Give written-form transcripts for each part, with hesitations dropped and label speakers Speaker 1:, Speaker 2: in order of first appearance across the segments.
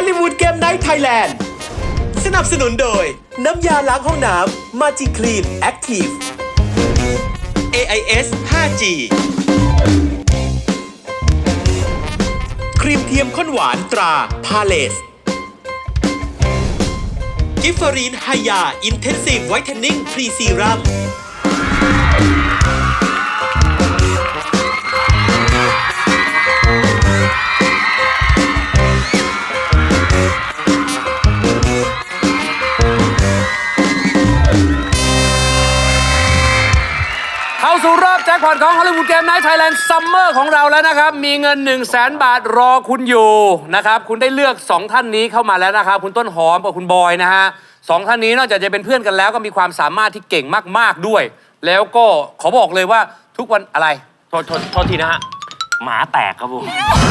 Speaker 1: ลิวูดเกมไนท์ไทยแลนด์สนับสนุนโดยน้ำยาล้างห้องน้ำมาจิคลีนแอคทีฟ AIS 5G ครีมเทียมข้นหวานตราพาเลสกิฟฟารีนไฮยาอินเทนซีฟไวท์เทนนิ่งพรีซีรัม
Speaker 2: เข้าสู่รอบแจ็คพอตของฮอลลีวูดเกมไนท์ไทยแลนด์ซัมเมอร์ของเราแล้วนะครับมีเงิน 100,000 บาทรอคุณอยู่นะครับคุณได้เลือก2ท่านนี้เข้ามาแล้วนะครับคุณต้นหอมกับคุณบอยนะฮะ2ท่านนี้นอกจากจะเป็นเพื่อนกันแล้วก็มีความสามารถที่เก่งมากๆด้วยแล้วก็ขอบอกเลยว่าทุกวันอะไร
Speaker 3: โทษทีนะฮะหมาแตกครับผม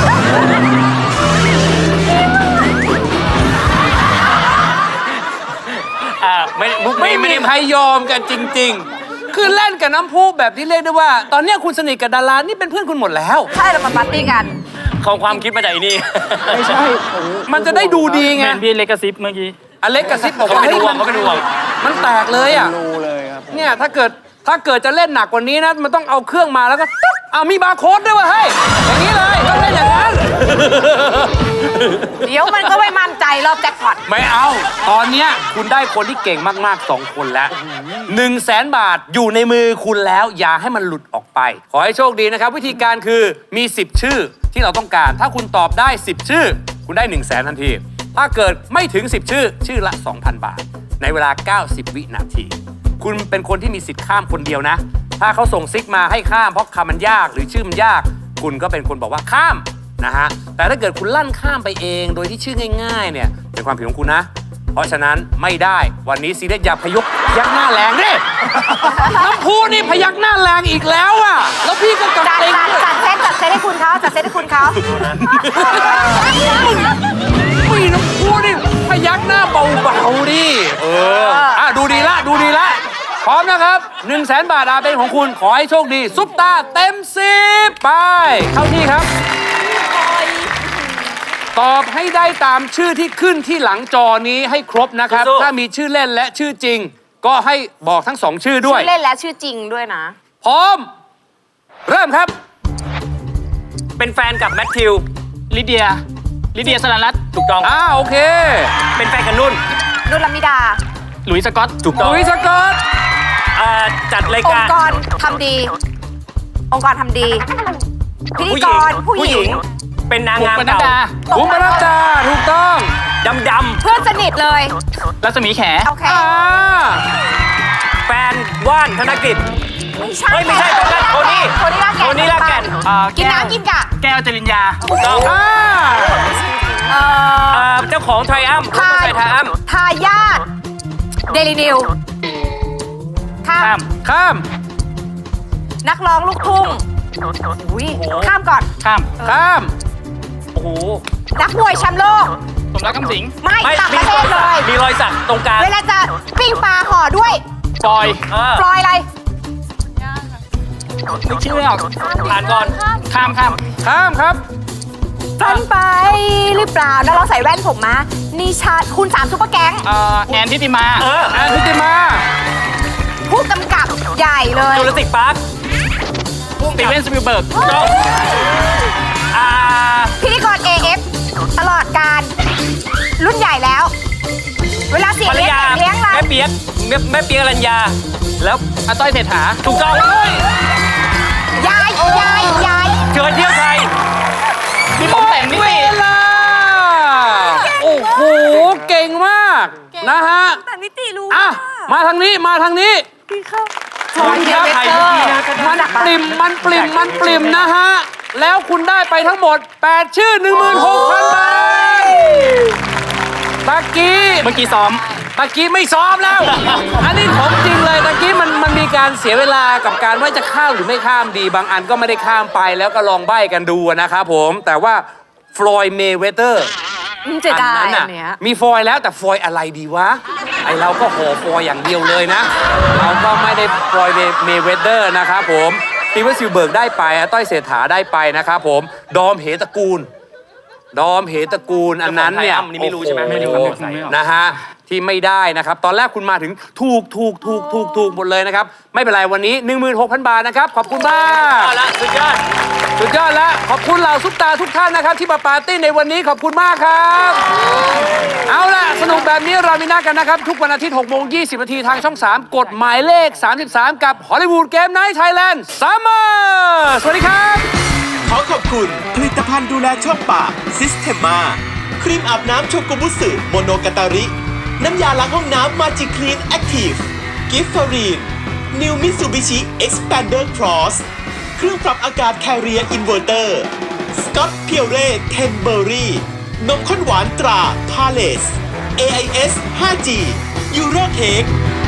Speaker 2: ไม่มีใครยอมกันจริงๆคือเล่นกับน้ำพุแบบที่เรียกได้ว่าตอนนี้คุณสนิทกับดารานี่เป็นเพื่อนคุณหมดแล้ว
Speaker 4: ใช่เรามาปาร์ตี้กัน
Speaker 3: ของความคิดมาจากนี่
Speaker 2: ไม่ใช่มันจะได้ดูดีไง
Speaker 3: พี่เล็กกระซิบเมื่อกี้
Speaker 2: อเล็กกระซิบบอกว่า
Speaker 3: เขาเป็นห่วง
Speaker 2: มันแตกเลยอ่ะรู้เลยครับเนี่ยถ้าเกิดจะเล่นหนักกว่านี้นะมันต้องเอาเครื่องมาแล้วก็ตึ๊บมีบาร์โค้ดด้วยว่ะเฮ้ยอย่างนี้เลยต้องเล่นอย่างนั้น
Speaker 4: เดี๋ยวมันก็ไม่มั่นใจรอบแจ็คพอต
Speaker 2: ไม่เอาตอนเนี้ยคุณได้คนที่เก่งมากๆ2คนแล้ว100,000 บาทอยู่ในมือคุณแล้วอย่าให้มันหลุดออกไปขอให้โชคดีนะครับวิธีการคือมี10ชื่อที่เราต้องการถ้าคุณตอบได้10ชื่อคุณได้100,000ทันทีถ้าเกิดไม่ถึง10ชื่อละ 2,000 บาทในเวลา90วินาทีคุณเป็นคนที่มีสิทธิ์ข้ามคนเดียวนะถ้าเขาส่งซิกมาให้ข้ามเพราะคำมันยากหรือชื่อมันยากคุณก็เป็นคนบอกว่าข้ามนะฮะแต่ถ้าเกิดคุณลั่นข้ามไปเองโดยที่ชื่อง่ายๆเนี่ยเป็นความผิดของคุณนะเพราะฉะนั้นไม่ได้วันนี้ซีเรียสอย่าพยักหน้าแรงดิน้ำพุนี่พยักหน้าแรงอีกแล้วอ่ะแล้วพี่ก็กำเต็ง
Speaker 4: จัดเซตให้คุณเขาจัดเซตให้คุณเขา
Speaker 2: มีน้ำพุนี่พยักหน้าเบาๆดิดูดีละพร้อมนะครับ100,000 บาทเป็นของคุณขอให้โชคดีซุปตาเต็ม10ไปเข้าที่ครับตอบให้ได้ตามชื่อที่ขึ้นที่หลังจอนี้ให้ครบนะครับถ้ามีชื่อเล่นและชื่อจริงก็ให้บอกทั้ง2ชื่อด้วย
Speaker 4: ชื่อเล่นและชื่อจริงด้วยนะ
Speaker 2: พร้อมเริ่มครับ
Speaker 3: เป็นแฟนกับแมทธิวลิเดียสลันรัตน์ถูกต้อง
Speaker 2: โอเค
Speaker 3: เป็นแฟนกับนุ่น
Speaker 4: ลามิดา
Speaker 3: หลุยส์สกอตถูกต้อง
Speaker 2: หลุยส์สกอต
Speaker 3: จัดรายการ
Speaker 4: องค์กรทำดีพิธีกรผู้หญิง
Speaker 3: เป็นนางงามเก่า
Speaker 2: บุ๋มปนัดดาถูกต้อง
Speaker 3: ดำ
Speaker 4: เพื่อนสนิทเลย
Speaker 3: รัศมีแข
Speaker 4: โอเค
Speaker 3: แฟนว่านธนกิจไม่ใช่โทนี่ลากแก่น
Speaker 4: กินน้ำกินกะ
Speaker 3: แก้วจริญญาถูกต้องเจ้าของไทรอัม
Speaker 4: ทายาทเดลินิว
Speaker 2: ข้าม
Speaker 4: นักร้องลูกทุ่งข้ามก่อน
Speaker 2: ข้าม
Speaker 3: โอ้โห
Speaker 4: นักมวยแชมป์โลก
Speaker 3: สมรักคำสิง
Speaker 4: ไม่ต่างประเทศเลย
Speaker 3: มีรอยสักตรงกลาง
Speaker 4: เวลาจะปิ้งปลาห่อด้วย
Speaker 3: ฟลอย
Speaker 4: อะไร
Speaker 3: ไม่เชื่อผ่านก่อนข้าม
Speaker 2: ครับ
Speaker 4: ฝันไปหรือเปล่าแล้วเราใส่แว่นผมมานิชาคุณ3ซุปเปอร์แก๊ง
Speaker 3: แอนทิติมา
Speaker 4: ผู้กำกับใหญ่เลย
Speaker 3: จูราสสิคพาร์คสตีเวนสปิลเบิร์ก
Speaker 4: พิธีกร AF ตลอดการรุ่นใหญ่แล้วเวลาเสียงเลี้ยงเรา
Speaker 3: แม่เปียกอรัญญาแล้ว
Speaker 2: อาต้อยเศรษฐา
Speaker 3: ถูกต้อง
Speaker 4: ยาย
Speaker 3: เชิญเที่ยวไทย
Speaker 2: มีผมแต่งนิติโอ้โหเก่งมากนะฮะ
Speaker 4: แต่นิติรู้
Speaker 2: มาทางนี้
Speaker 4: พี่เข้า
Speaker 2: มันปริ่มนะฮะแล้วคุณได้ไปทั้งหมด8ชื่อ 16,000 บาทตะกี้
Speaker 3: ซ้อม
Speaker 2: ตะกี้ไม่ซ้อมแล้วอันนี้ของจริงเลยตะกี้มันมีการเสียเวลากับการว่าจะข้ามหรือไม่ข้ามดีบางอันก็ไม่ได้ข้ามไปแล้วก็ลองใบ้กันดูนะครับผมแต่ว่าฟลอยด์เมย์เวเตอร์
Speaker 4: อัน
Speaker 2: นั้นน่ะมีฟอยล์แล้วแต่ฟอยล์อะไรดีวะไอเราก็ห่อฟอยล์อย่างเดียวเลยนะเราก็ไม่ได้ฟอยล์เมย์เวเตอร์นะครับผมสตีเวน สปิลเบิร์กได้ไปต้อยเศรษฐาได้ไปนะครับผมดอมเหตระกูลดอมเหตระกูลอันนั้นเนี่ย
Speaker 3: เจ้าของไทยอ้ำนี่ไม่รู้ใช่ไหม
Speaker 2: โอ้โ
Speaker 3: ไม่รู้ครับ
Speaker 2: นะฮะที่ไม่ได้นะครับ ตอนแรกคุณมาถึงถูกหมดเลยนะครับ ไม่เป็นไรวันนี้ 16,000 บาทนะครับ ขอบคุณมาก
Speaker 3: เอาละสุดยอด
Speaker 2: สุดยอดแล้วขอบคุณเหล่าซุปตาทุกท่านนะครับ ที่มาปาร์ตี้ในวันนี้ขอบคุณมากครับ เอาล่ะ สนุกแบบนี้เรามีนัดกันนะครับ ทุกวันอาทิตย์6 โมง 20 นาทีทางช่อง 3 กดหมายเลข 33 กับ Hollywood Game Night Thailand Summer สวัสดีครับ
Speaker 1: ขอขอบคุณผลิตภัณฑ์ดูแลช่องปากซิสเทมมาครีมอาบน้ำโชกุบุสึโมโนกาตาริ น้ำยาล้างห้องน้ำมาจิคลีนแอคทีฟกิฟฟารีนนิวมิซูบิชิเอ็กซ์แพนเดอร์ครอสเครื่องปรับอากาศแคเรียอินเวอร์เตอร์สกอตเพียวเร่เทนเบอรี่นมข้นหวานตราพาเลส AIS 5G ยูโรเค้ก